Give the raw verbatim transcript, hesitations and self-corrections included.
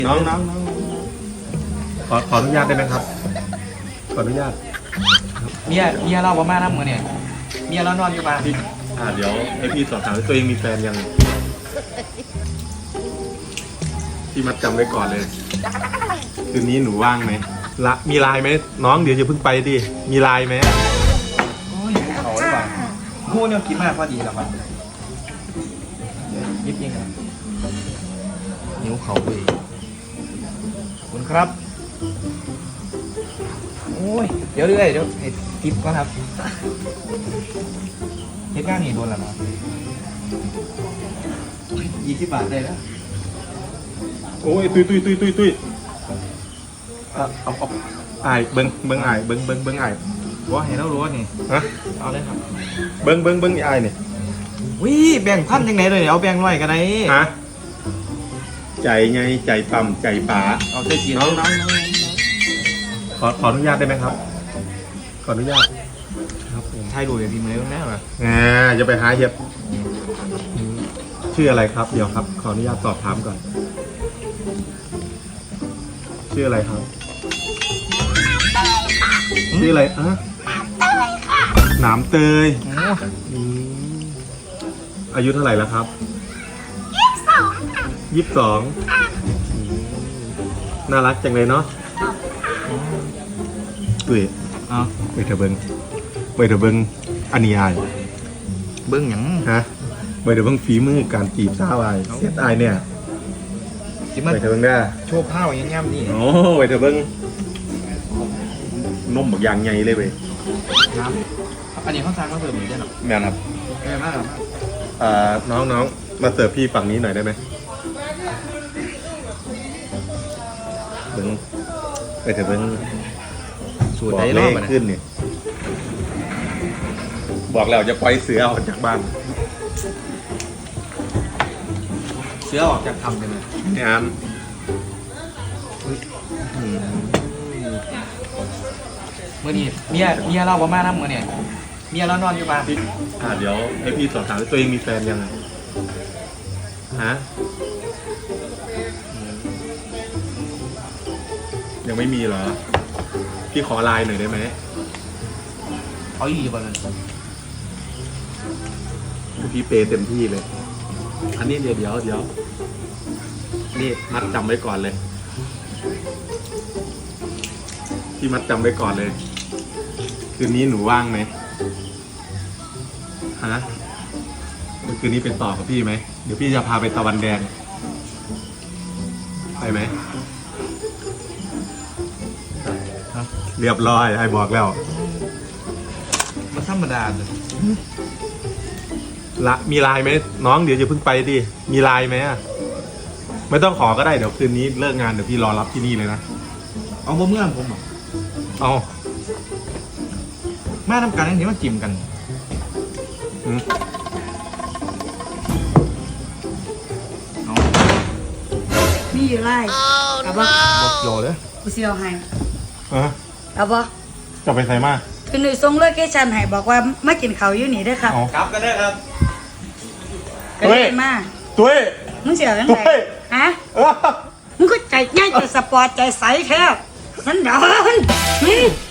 น้องน้องน้องขอขออนุญาตได้ไหมครับขออนุญาตเมียเมียเราประมาณนั้นมือเนี่ยเมียเรานอนอยู่บ้านพี่อ่าเดี๋ยวให้พี่สอบถามว่าตัวเองมีแฟนยังพี่มัดจำไว้ก่อนเลยคืนนี้หนูว่างไหมละมีไลน์ไหมน้องเดี๋ยวจะเพิ่งไปดิมีไลน์ไหมโอ้ยเขาหรือเปล่าพูดเนี่ยกินมากพอดีแล้วครับยิบยิงนะนิ้วเขาไปคุณครับโอ้ยเดี๋ยวเรื่อยเดี๋ยวให้ทิปก่อนครับเฮ็ดงานนี่โดนแล้วเนาะยี่สิบบาทได้แล้วโอ้ยตุยตุยตุยตุยตุยเอาเอาเอาไอ้เบิ้งเบิ้งไอ้เบิ้งเบิ้งเบิ้งไอ้ว่าเห็นแล้วรู้ว่านี่ฮะเอาเลยครับเบิ้งเบิ้งเบิ้งไอ้เนี่ยวิแบ่งพันยังไงเลยเอาแบ่งร้อยกันไหนฮะใจไงใจต่ำใจป๋าเอาใจจีนน้องน้องขอขออนุญาตได้ไหมครับขออนุญาตครับผมไทยดูอย่างดีมือแน่เลยอ่าจะไปหาเห็บชื่ออะไรครับเดี๋ยวครับขออนุญาตสอบถามก่อนชื่ออะไรครับชื่ออะไรอ่ะหนามเตยอายุเท่าไหร่แล้วครับยี่สิบสองยี่สิบสองน่ารักจังเลยเนาะตุ้ยอ๋อไปเถอะเบิ้งไปเถอะเบิ้งอันนี้อายเบิ้งอย่างฮะไปเถอะเบิ้งฝีมือการจีบสาวอายเสียดายเนี่ยไปเถอะเบิ้งได้โชว์ผ้าอย่างเงี้ยนี่โอ้ไปเถอะเบิ้งนมบักอย่างใหญ่เลยเว้ยน้ำอันนี้เขาสร้างมาเสิร์ฟเหมือนกันหรอแม่ครับแม่มากอ่าน้องน้องมาเสิร์ฟพี่ฝั่งนี้หน่อยได้ไหมเบิ้งไปเถอะเบิ้งสูตรได้รอบขึ้นเนี่ยบอกแล้วจะปล่อยเสือออกจากบ้านเสือออกจากทำเลยไหมเนี่ยอันเมื่อนี้เมียเมียเราประมาณนั้นเมื่อเนี่ยเมียเรานอนอยู่บ้านอ่าเดี๋ยวให้พี่สอบถามว่าตัวเองมีแฟนยังไงฮะยังไม่มีเหรอพี่ขอไลน์หน่อยได้ไหมเขาอยู่บ้านนั้นพี่เปย์เต็มที่เลยอันนี้เดี๋ยวเดี๋ยวเดี๋ยวนี่มัดจำไว้ก่อนเลยพี่มัดจำไว้ก่อนเลยคืนนี้หนูว่างไหมฮะคืนนี้เป็นต่อกับพี่ไหมเดี๋ยวพี่จะพาไปตะวันแดงไปไหมเรียบร้อยให้บอกแล้วมันธรรมดาเลยละมีไลน์ไหมน้องเดี๋ยวจะเพิ่งไปดิมีไลน์ไหมอ่ะไม่ต้องขอก็ได้เดี๋ยวคืนนี้เลิกงานเดี๋ยวพี่รอรับที่นี่เลยนะเอาบ่เมื่อผมเอาแม่ทำการอย่างนี้มาจิ้มกันมีอยู่ไรเอาบ่บอกโยเลยกูเสียวให้อะเอาบ่จะไปใส่มาคือหนุ่ยส่งโลเคชั่นให้บอกว่ามากินข้าวอยู่นี่เด้อครับครับก็ได้ครับก็ได้มาตุ้ยมึงเสียวยังไงฮะมึงก็ใจง่ายใจสปอร์ตใจใสแค่สันดาน